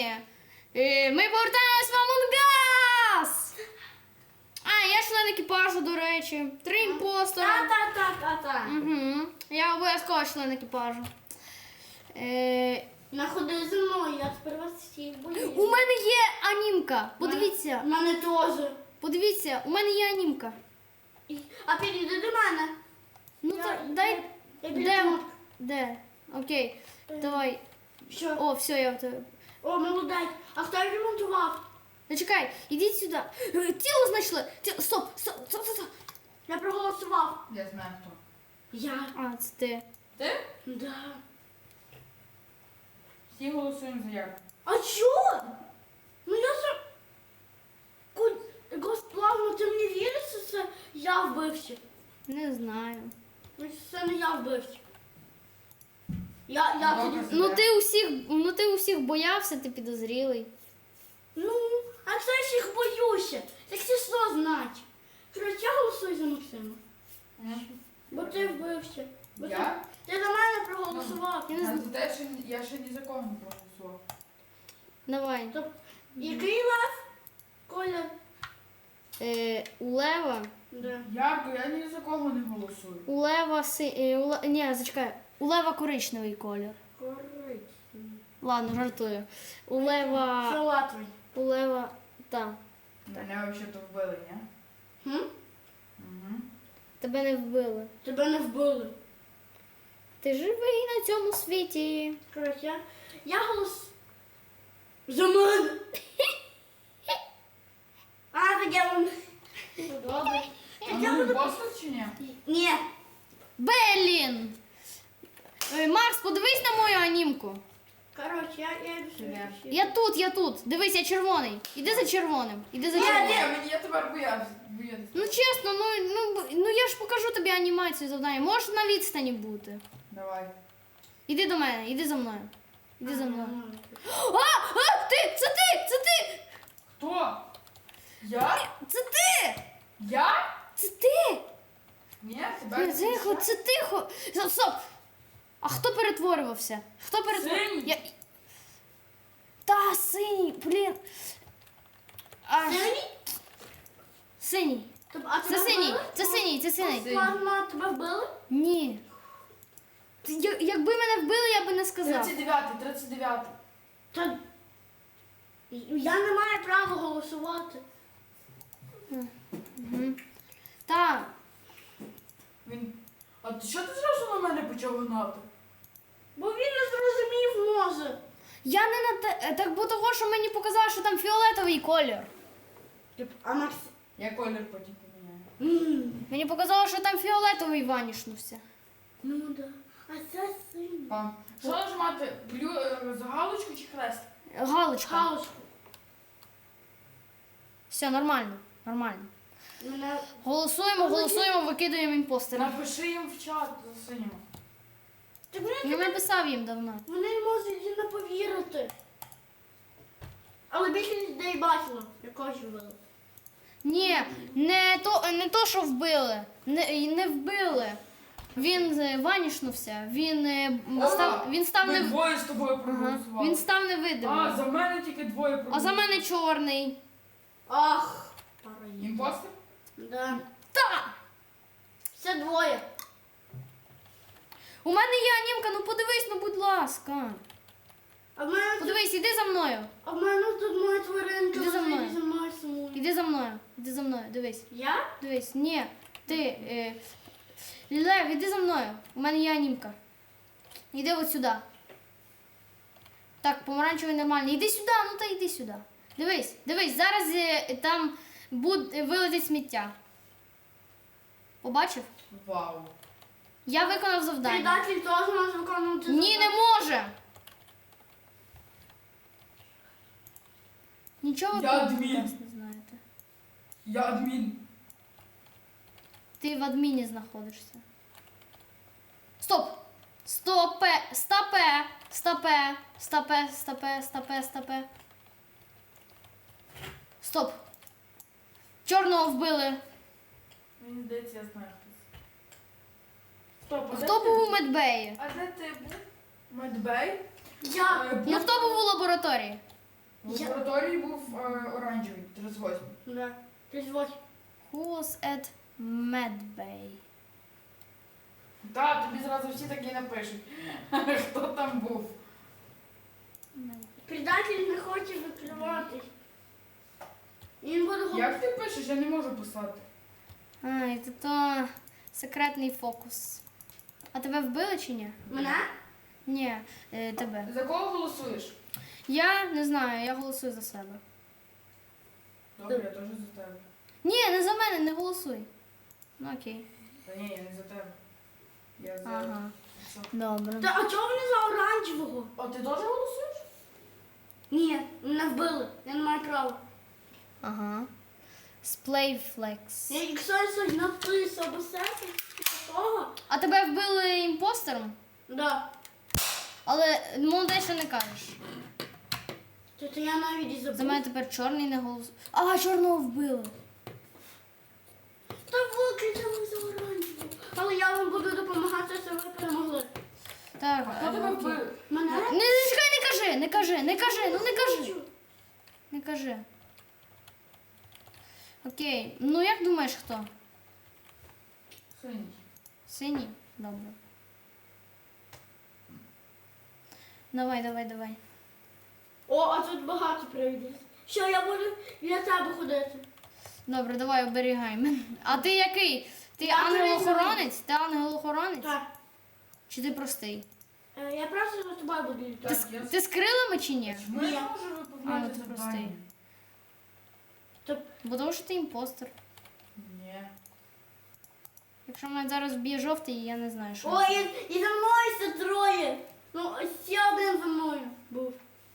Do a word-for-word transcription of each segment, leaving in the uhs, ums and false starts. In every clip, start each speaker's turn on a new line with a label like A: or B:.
A: Е, Ми повертаємось в Among Us! А, я член екіпажу, до речі. Три імпостера.
B: Та-та-та-та-та.
A: Угу. Я обов'язково член екіпажу. Е,
B: Находи зі мною, я тепер вас всіх боюсь.
A: У мене є анімка. Подивіться.
B: У мене теж.
A: Подивіться, у мене є анімка.
B: І- А підійди до мене.
A: Ну
B: Я-
A: так,
B: я-
A: дай.
B: я біля
A: Де?
B: кнопки.
A: Де? Окей. Давай.
B: Що?
A: О, все, я в тебе.
B: О, молодець. А хто ремонтував?
A: Ну чекай, ідіть сюди. Е, Тіло знайшли. Тіло. Стоп, стоп, стоп, стоп, стоп.
B: Я проголосував.
C: Я знаю хто.
B: Я.
A: А, це ти.
C: Ти?
B: Да.
C: Всі голосуємо за Ярку.
B: А чого? Ну я ж... Госплавно, ти мені віриш, що це я вбився?
A: Не знаю.
B: Ну, це не я вбився. Я, я
C: Добре.
B: тоді...
A: Ну ти усіх, ну ти усіх боявся, ти підозрілий.
B: Ну, а це ж їх боюся. Так це що знать? Короче, я голосую за Максима. Бо ти вбився. Бо
C: Я?
B: Ти, ти за мене проголосував.
A: Я не
C: А
A: знаю.
C: за те, що я ще ні за кого не проголосував.
A: Давай.
B: Тобто, який лев? Колір?
A: Е, у Лева.
B: Да.
C: Ярко, я ні за кого не голосую.
A: У Лева си. Е, у Ле... Ні, зачекай. У Лева коричневий колір.
B: Коричневий.
A: Ладно, жартую. У Лева.
B: Фіолетовий.
A: У Лева. Та.
C: Мене взагалі-то вбили, ні?
B: Хм?
C: Угу.
A: Тебе не вбили.
B: Тебе не вбили.
A: Ти живий на цьому світі.
B: Коротше, я, я голос... За мене! А, так я вам... Ну, добре.
C: А
B: Так я
C: ну
B: буду...
C: імпостер чи ні?
B: Ні.
A: Белін! Е, Макс, подивись на мою анімку.
B: Коротше, я, я йду сюди.
A: Я тут, я тут. Дивись, я червоний. Іди за червоним. Іди за
C: Ні,
A: червоним.
C: ні, мені я тепер боявся. боявся.
A: Ну чесно, ну, ну, б- ну я ж покажу тобі анімацію завдання. Можеш на відстані бути.
C: Давай.
A: Іди до мене, іди за мною. Іди за мною.
B: Ага.
A: А! А! Ти! Це ти! Це ти!
C: Хто? Я?
A: Це ти!
C: Я?
A: Це ти!
C: Ні, тебе не
A: Тихо,
C: я?
A: це тихо! Стоп, Стоп! А хто перетворювався? Хто перетворювався?
C: Синій.
A: Я... Та, синій, блін. А,
B: Синій?
A: синій.
B: Тобто, а
A: Це
B: тебе
A: синій,
B: вбили?
A: це синій, це синій.
B: Плазма, тебе вбили?
A: Ні. Ти- я- Якби мене вбили, я би не сказав.
C: тридцять дев'ятий, тридцять дев'ятий.
B: Та... Я не маю права голосувати.
A: Так.
C: Він. А ти що ти зразу на мене почав гнати?
B: Бо він не зрозумів, може.
A: Я не на те. Так бо того, що мені показали, що там фіолетовий колір.
B: А Макс...
C: Я колір потім поміняю.
B: М,
A: Мені показало, що там фіолетовий ванішнувся.
B: Ну да. А це синій.
C: Пам. Що нажимати? Блю... е, за галочку чи хрест?
A: Галочка.
B: Галочку.
A: Все, нормально. Нормально.
B: Мене...
A: Голосуємо, голосуємо, викидуємо імпостера.
C: Напиши їм в чат за синім.
B: Так вони,
A: Я написав їм давно.
B: вони не можуть і не повірити. Але більше людей бачило, якогось вбили.
A: Ні, не то, не то, що вбили. Не, не вбили. Він е, ванішнувся. Він е, м,
C: О,
A: став. Він став
C: Ми
A: не
C: двоє з тобою
A: Ага.
C: проголосували.
A: Він став
C: А,
A: невидимим.
C: за мене тільки двоє
A: А
C: проголосували.
A: за мене чорний.
B: Ах, параїд.
C: Імпостер?
B: Да.
A: Та!
B: Все двоє.
A: У мене є анімка, ну подивись, ну будь ласка.
B: А в мене, тут-
A: Подивись, іди за мною.
B: а в мене тут моя тваринка
A: Іди за
B: лежить
A: мною.
B: і за мною сумує.
A: Іди за мною. Іди за мною, дивись.
B: Я?
A: Дивись, ні, ти. Е, Лев, іди за мною. У мене є анімка. Іди от сюди. Так, помаранчевий нормальний. Іди сюди, ну та йди сюди. Дивись, дивись, зараз е, там буд, е, вилетить сміття. Побачив?
C: Вау.
A: Я виконав завдання.
B: Предатель теж може виконувати.
A: Ні, не
B: завдання.
A: може. Нічого
C: Я
A: про
C: адмін.
A: нас не знаєте.
C: Я адмін.
A: Ти в адміні знаходишся. Стоп! Стопе! Стопе! Стопе! Стопе! Стопе! Стопе! Стопе! Стоп! Чорного вбили.
C: Мені здається, я знаю хтось. Стоп, а де
A: Хто
C: ти
A: був у медбеї?
C: А де ти був? Медбей?
B: Я.
C: Е,
A: Ну
C: був-
A: хто був у лабораторії?
C: В
B: Я-
C: лабораторії був е, оранжевий, тридцять восьмий.
B: Да. тридцять восьмий.
A: Who was at Medbay?
C: Так, тобі зразу всі такі напишуть. Хто там був?
B: Предатель не хоче викриватись. Він буде говорити.
C: Як ти пишеш? Я не можу писати.
A: Ай, це то секретний фокус. А тебе вбили чи ні?
B: Мене?
A: Ні, е, тебе.
C: За кого голосуєш?
A: Я не знаю, я голосую за себе.
C: Добре, я теж за тебе.
A: Ні, не за мене, не голосуй. Ну окей.
C: Та ні, я не за тебе. Я за.
A: Ага.
C: Що?
A: Добре.
B: Та а чого вони за оранжевого?
C: А ти теж голосуєш?
B: Ні, мене вбили. Я не маю права.
A: Ага. Splayflex.
B: Я якщо я щось написав або серце, такого.
A: А тебе вбили імпостером?
B: Да.
A: Але молодець, що не кажеш.
B: То, то я навіть і забув.
A: За мене тепер чорний не голосує. А, чорного вбили.
B: Та викричали за оранжевого. Але я вам буду допомагати, щоб ви перемогли.
A: Так,
C: Хто тебе
A: е, окей.
C: вбив?
B: Мене?
A: Не, не чекай, не кажи, не кажи, не кажи, ну не кажи. Не кажи. Окей. Ну як думаєш, хто?
C: Синій.
A: Синій? Добре. Давай, давай, давай.
B: О, а тут багато привідів. Що я буду для тебе ходити?
A: Добре, давай оберігай мене. А ти який? Ти
B: Я
A: ангел-охоронець? Ти ангел-охоронець?
B: Так.
A: Чи ти простий?
B: Е, Я просто за тобою буду
A: Ти,
B: літати.
A: з-
C: я-
A: ти з крилами чи ні?
C: Чому я
B: Ні.
C: не можу
A: А, ну
C: виповняти
A: ти простий.
C: завдання?
B: То
A: Бо тому що ти імпостер.
C: Ні.
A: Якщо мене зараз вб'є жовтий, я не знаю, що.
B: Ой, і, і за мною ще троє. Ну, ось ще один за мною був.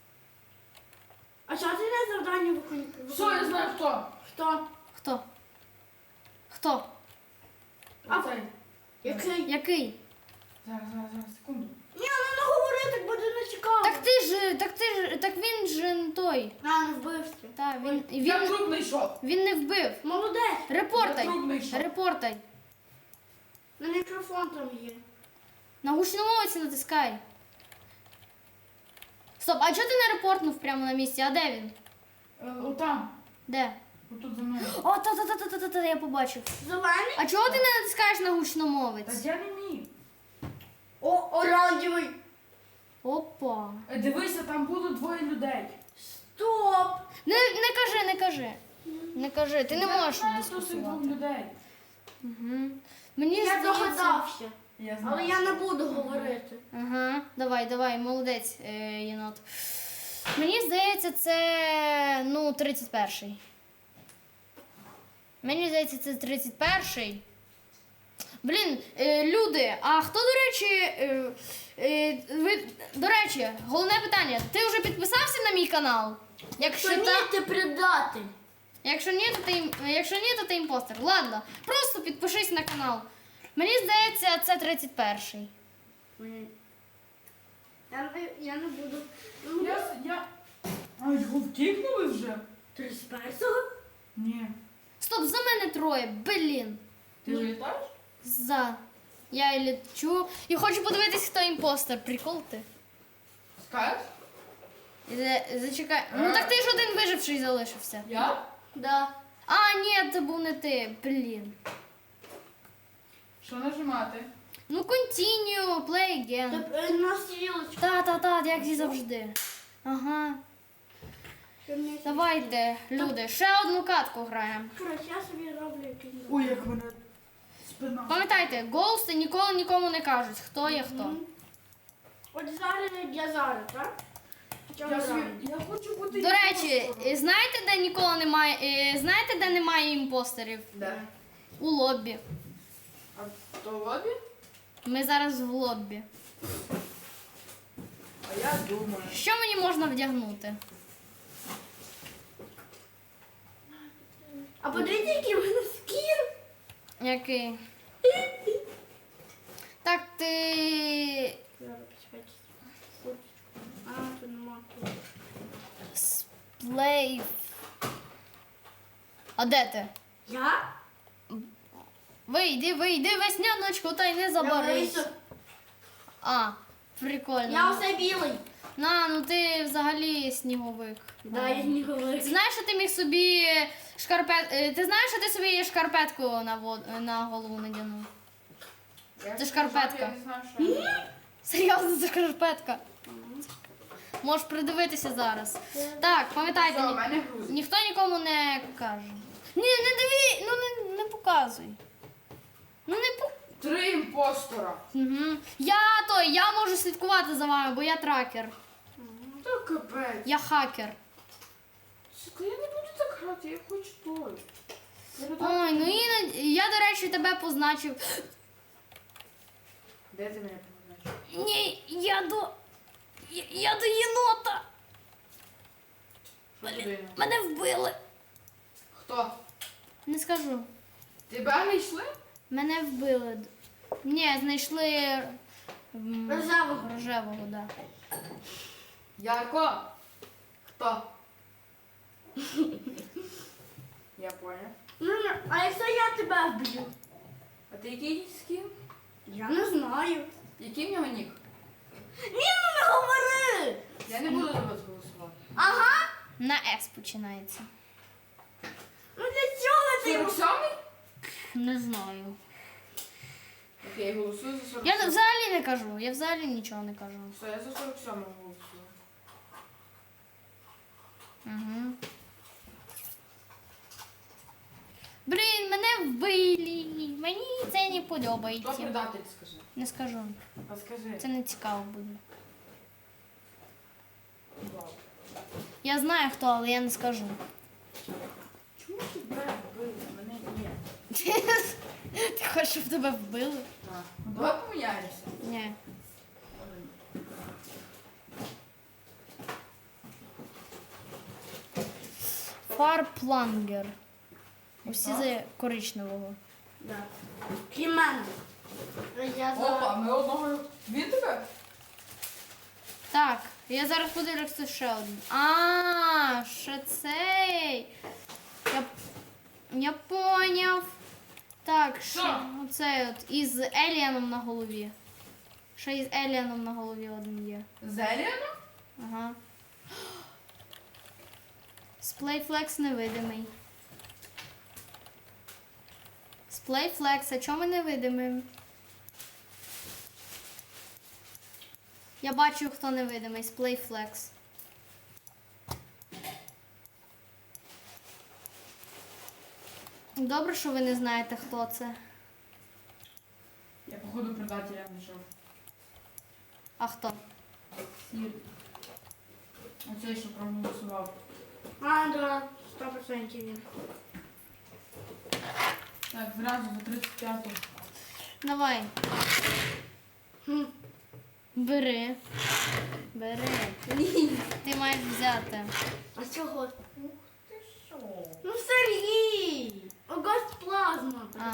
B: А що ти не завдання виконуєш?
C: Все, я знаю хто.
B: Хто?
A: Хто? Хто?
B: А-
C: Оцей.
B: Який?
A: Який?
C: Зараз, зараз, зараз, секунду.
B: Ні, ну не говори, так буде не цікаво.
A: Так ти ж, так ти ж, так він ж не той.
B: А, не вбився.
A: Та, він,
C: Я
A: він,
C: труп знайшов.
A: він не вбив.
B: Молодець.
A: Репортай.
C: Я труп знайшов.
A: Репортай.
B: На мікрофон там є.
A: На гучномовці натискай. Стоп, а чого ти не репортнув прямо на місці? А де він?
C: Е, Отам.
A: Де?
C: Отут за мною.
A: О, та-та-та-та-та-та, я побачив.
B: Зелений?
A: А чого ти не натискаєш на
C: Та
A: гучномовець?
C: я не вмію.
B: О, оранжевий.
A: Опа.
C: Е, Дивися, там було двоє людей.
B: Стоп.
A: Не, не кажи, не кажи. Не кажи, ти не
C: Я
A: можеш
C: знаю, хто з цих двох
A: дискусувати.
C: людей.
A: Угу. Мені
B: Я
A: здається...
B: догадався.
C: Я знаю.
B: Але я не буду говорити.
A: Ага, давай, давай, молодець, е, єнот. Мені здається, це ну, тридцять перший. Мені здається, це тридцять перший. Блін, е, люди, а хто, до речі, е, е, ви, до речі, головне питання, ти вже підписався на мій канал? Якщо,
B: Що ні,
A: та,
B: ти предатель.
A: якщо, ні, то ти, ім- якщо ні, то ти імпостер. Ладно, просто підпишись на канал. Мені здається, це тридцять перший.
B: Я, не- я не буду. Ну,
C: Я, с- я... А, його втікнули вже?
B: тридцять першого?
C: Ні.
A: Стоп, за мене троє, блін.
C: Ти ж літаєш?
A: За. Я лічу. І хочу подивитись, хто імпостер. Прикол ти.
C: Скажеш?
A: Іде- Зачекай. Ну так ти ж один виживший залишився.
C: Я?
B: Да.
A: А, ні, це був не ти. Блін.
C: Що нажимати?
A: Ну, continue, play again.
B: Тобто е, на стрілочку.
A: Та-та-та, як і завжди. Ага.
B: Щоб не-
A: Давайте, люди, ще одну катку граємо.
B: Коротше, я собі роблю якийсь.
C: Ой, як мене спина.
A: Пам'ятайте, гоусти ніколи нікому не кажуть, хто є хто.
B: Мгм. От зараз для зараз, так? Чого
C: Я, собі,
B: зараз?
C: я хочу бути
A: До речі,
C: імпостером.
A: е, знаєте, де ніколи немає. е, Знаєте, де немає імпостерів?
C: Де?
A: У лоббі.
C: А то в лобі?
A: Ми зараз в лоббі.
C: А я думаю.
A: Що мені можна вдягнути?
B: А подивіться, який в мене скін.
A: Який? Так ти.
B: Зараз почекайте. Курточку. А, тут нема тут.
A: Сплей. А де ти?
B: Я?
A: Вийди, вийди, весняночку, та й не
B: Я
A: забарись.
B: вийшов.
A: А, прикольно.
B: Я усе білий.
A: На, ну ти взагалі сніговик.
B: Да, я не говорю.
A: Ти знаєш, що ти міг собі шкарпет... е, Ти знаєш, що ти собі шкарпетку на, вод... на голову надягнув?
C: Я
A: Це
C: скажу,
A: шкарпетка.
C: Я не знаю, що я.
A: Серйозно, це шкарпетка. Можеш придивитися зараз. Так, пам'ятайте,
C: Все, у
A: ні...
C: мене грузить.
A: ніхто нікому не каже. Ні, не диві, ну не, не показуй. Ну не по...
C: Три імпостора.
A: Угу. Я той, я можу слідкувати за вами, бо я тракер.
C: Та капець.
A: Я хакер.
C: Сука, я не буду так грати, я хочу той.
A: Ой, ну іноді, я, до речі, тебе позначив.
C: Де ти мене побачиш?
A: Ні, я до. Я, я до єнота.
C: Що тобі?
A: Мене вбили.
C: Хто?
A: Не скажу.
C: Тебе не йшли?
A: Мене вбили. Ні, знайшли м,
B: Рожевого.
A: рожевого, да.
C: Ярко? Хто? Я понял.
B: Ну, ну, а якщо я тебе вб'ю?
C: А ти який з ким?
B: Я не знаю.
C: Який в нього нік?
B: Ні, ну не говори!
C: Я не буду за вас голосувати.
B: Ага.
A: На С починається.
B: Ну для чого ти?
C: сорок сьомий?
A: Не знаю.
C: Окей, голосую за сорок
A: Я
C: сьомий.
A: взагалі не кажу, я взагалі нічого не кажу.
C: Все, я за сорок сьомого голосую.
A: Угу. Блін, мене вбили. Мені це не
C: Хто
A: подобається.
C: предатель, скажи?
A: Не скажу.
C: А скажи.
A: Це не цікаво буде.
C: Вау.
A: Я знаю хто, але я не скажу.
C: Чому тебе вбили? Мене ні.
A: Ти хочеш, щоб тебе вбили?
C: Так. Ну, давай поміняємося.
A: Ні. Фарплангер. Усі за коричневого.
B: Да. Крім мене. Я
C: Опа,
B: за...
C: ми одного. Він тебе?
A: Так, я зараз подивлюся хто ще один. А, ще цей. Я, я поняв. Так,
C: Що?
A: що оцей от із Еліаном на голові. Ще із Еліаном на голові один є.
C: Зеліано?
A: Ага. Сплейфлекс невидимий. Сплейфлекс, а чому ми невидимий? Я бачу, хто невидимий. Сплейфлекс. Добре, що ви не знаєте, хто це.
C: Я походу предателя знайшов.
A: А хто?
C: Сір. Оцей, що проголосував.
B: А, да, сто процентів він.
C: Так, зразу за тридцять п'яту.
A: Давай,
B: Хм.
A: бери. Бери. Ти маєш взяти.
B: А чого?
C: Ух ти що?
B: Ну, Сергій! Огость плазма.
A: А.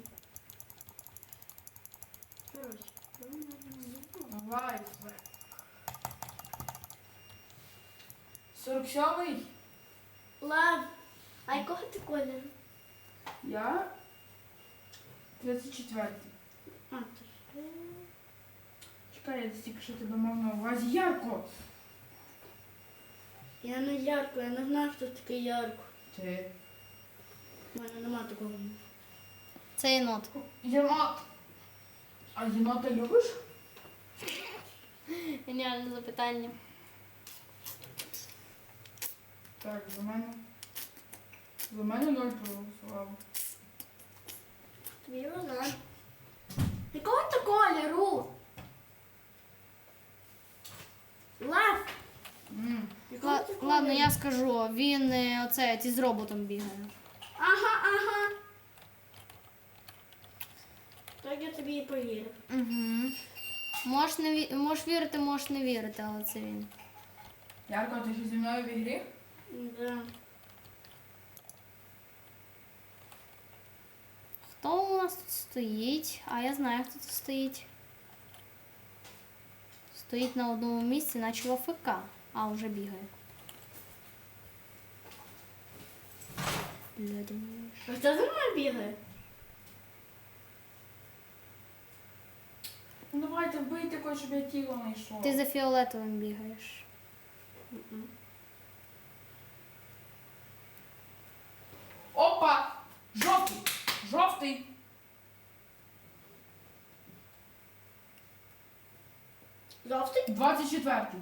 B: Короче.
C: Давай. сорок сьомий?
B: Лев. А якого ти кольору?
C: Я тридцять четвертий.
B: А, ти ж.
C: Чекай, я тільки що тебе мав на увазі. Ярко!
B: Я не ярко, я не знаю, хто такий ярко.
C: Ти.
B: У мене нема такого.
A: Це єнот.
C: Єнот. А єнота любиш?
A: Геніальне запитання.
C: Так, за мене. За мене ноль проголосував.
B: Тобі вона. Якого ти кольору? Лев.
C: М.
B: Якого
A: Ла-
B: ти кольору?
A: Ладно, я скажу. Він е, оце із роботом бігає.
B: Ага, ага. Так я тобі і повірив.
A: Угу. Можеш, не ві... можеш вірити, можеш не вірити, але це він.
C: Ярко, ти ще зі мною в ігрі?
B: Да.
A: Хто у нас тут стоїть? А я знаю, хто тут стоїть. Стоїть на одному місці, наче в АФК. А, вже бігає. Блядь.
B: А хто за мною бігає?
C: Ну давайте вбийте когось хочеш, щоб я тіло не йшло.
A: Ти за фіолетовим бігаєш.
B: Мгм.
C: Опа! Жовтий! Жовтий!
B: Жовтий?
C: двадцять четвертий.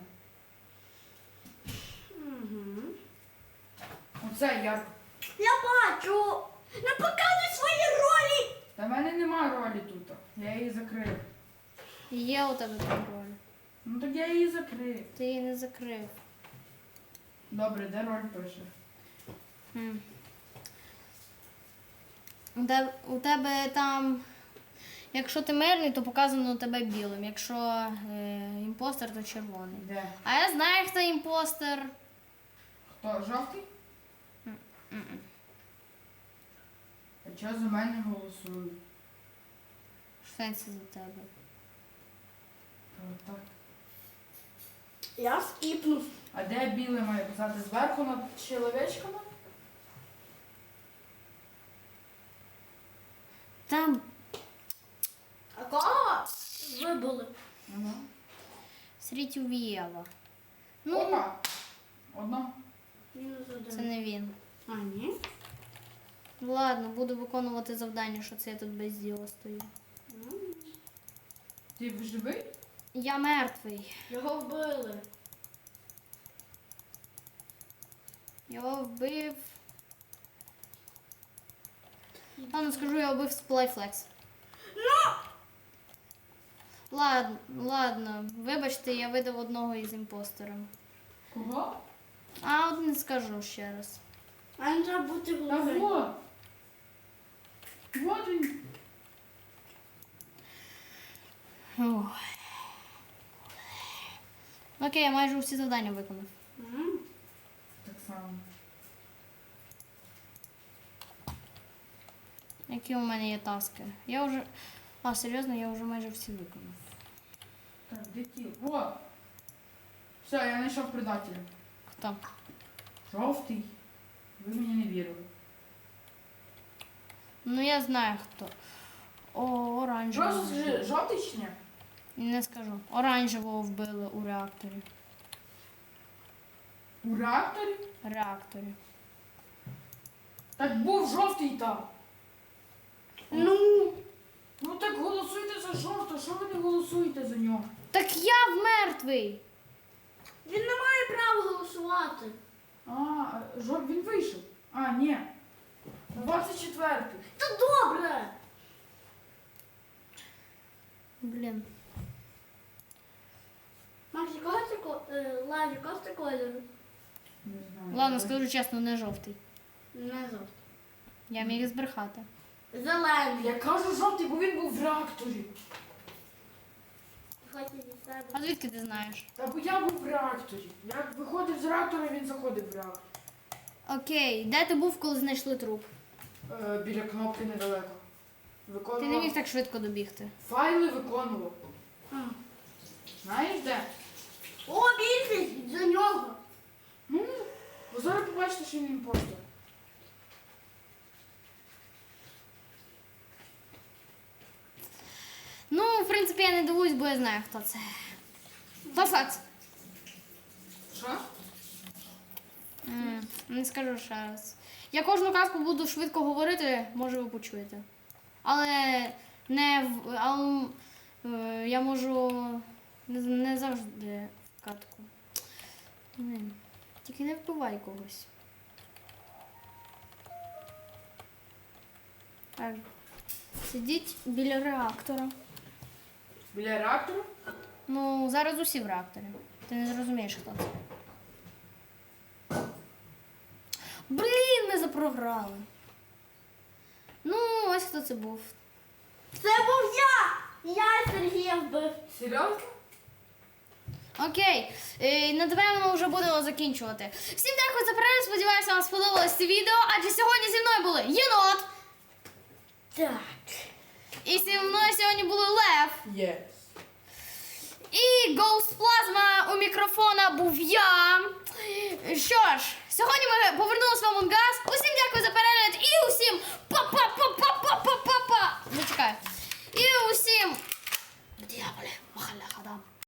B: Угу.
C: Оце я.
B: Я бачу! Не показуй свої ролі!
C: Та в мене немає ролі тут. Я її закрив.
A: Є у тебе там роль.
C: Ну так я її закрив.
A: Ти її не закрив.
C: Добре, де роль пише?
A: Хм. У тебе, у тебе там, якщо ти мирний, то показано у тебе білим. Якщо е, імпостер, то червоний.
C: Де?
A: А я знаю, хто імпостер.
C: Хто? Жовтий?
A: М-м.
C: А чого за мене голосують?
A: В сенсі за тебе.
C: Та Так.
B: Я скіпнув.
C: А де біле має писати? Зверху над чоловічками?
A: Там
B: А кого вибули?
C: Ага.
A: Срітювєва. Ну,
C: Опа! Одно.
B: Мінус один.
A: це не він.
B: А, ні?
A: Ладно, буду виконувати завдання, що це я тут без діла стою.
B: М.
C: Ти живий?
A: Я мертвий.
B: Його вбили.
A: Його вбив. Ладно, скажу, я вбив Splayflex.
B: Ну!
A: Ладно, ладно, вибачте, я видав одного із імпостерів.
C: Кого?
A: А от не скажу ще раз.
B: А не треба бути
C: Та
B: головою.
C: вот. Вот він.
A: Ой. Окей, я майже всі завдання виконав.
B: М.
C: Так само.
A: Які у мене є таски? Я вже. А, серйозно, я вже майже всі виконав.
C: Так, де тіло? Вот. Все, я знайшов предателя.
A: Хто?
C: Жовтий. Ви мені не вірили.
A: Ну я знаю хто. О, оранжевого.
C: Просто скажи, жовтий чи ні?
A: Не скажу. Оранжевого вбили у реакторі.
C: У реакторі?
A: Реакторі.
C: Так був жовтий там.
B: Ну,
C: Ну так голосуйте за жовтого, що ви не голосуєте за нього?
A: Так я мертвий!
B: він не має права голосувати.
C: А, жов... він вийшов. А, ні. двадцять четвертий.
B: Та добре.
A: Блін.
B: Макс, якого ти ко- е, Лав, якого ти кольору?
C: Не знаю.
A: Ладно, скажу чесно, не жовтий.
B: Не жовтий.
A: Я міг збрехати.
B: Зелений.
C: Я кажу жовтий, бо він був в реакторі.
B: Хоче від себе.
A: А звідки ти знаєш?
C: Та бо я був в реакторі. Я виходив з реактора, він заходив в реактор.
A: Окей, де ти був, коли знайшли труп?
C: Е, біля кнопки недалеко.
A: Ти
C: Виконував.
A: не міг так швидко добігти.
C: Файли виконував.
B: А.
C: Знаєш де?
B: О, більшість за нього.
C: Ну, ви зараз побачите, що він імпостер.
A: Ну, в принципі, я не дивуюсь, бо я знаю, хто це. То факт.
C: Що?
A: М, Не скажу ще раз. Я кожну казку буду швидко говорити, може ви почуєте. Але не в. Але, е, я можу не, не завжди в катку. Блін, Тільки не вбивай когось. Так. Сидіть біля реактора.
C: Біля реактору?
A: Ну, зараз усі в реакторі. Ти не зрозумієш, хто це. Блін, ми запрограли. Ну, ось хто це був.
B: Це був я. Я Сергія вбив.
C: Серйозно?
A: Окей, е, напевно, вже будемо закінчувати. Всім дякую за перегляд, сподіваюся, вам сподобалось це відео, адже сьогодні зі мною були єнот.
B: Так.
A: І зі мною сьогодні були Лев.
C: Є.
A: І Ghost Plasma у мікрофона був я. Що ж, сьогодні ми повернулися в Among Us. Усім дякую за перегляд і усім па-па-па-па-па-па-па-па. Зачекай. І усім. Дякую. Салам алейкум, махалля хадам.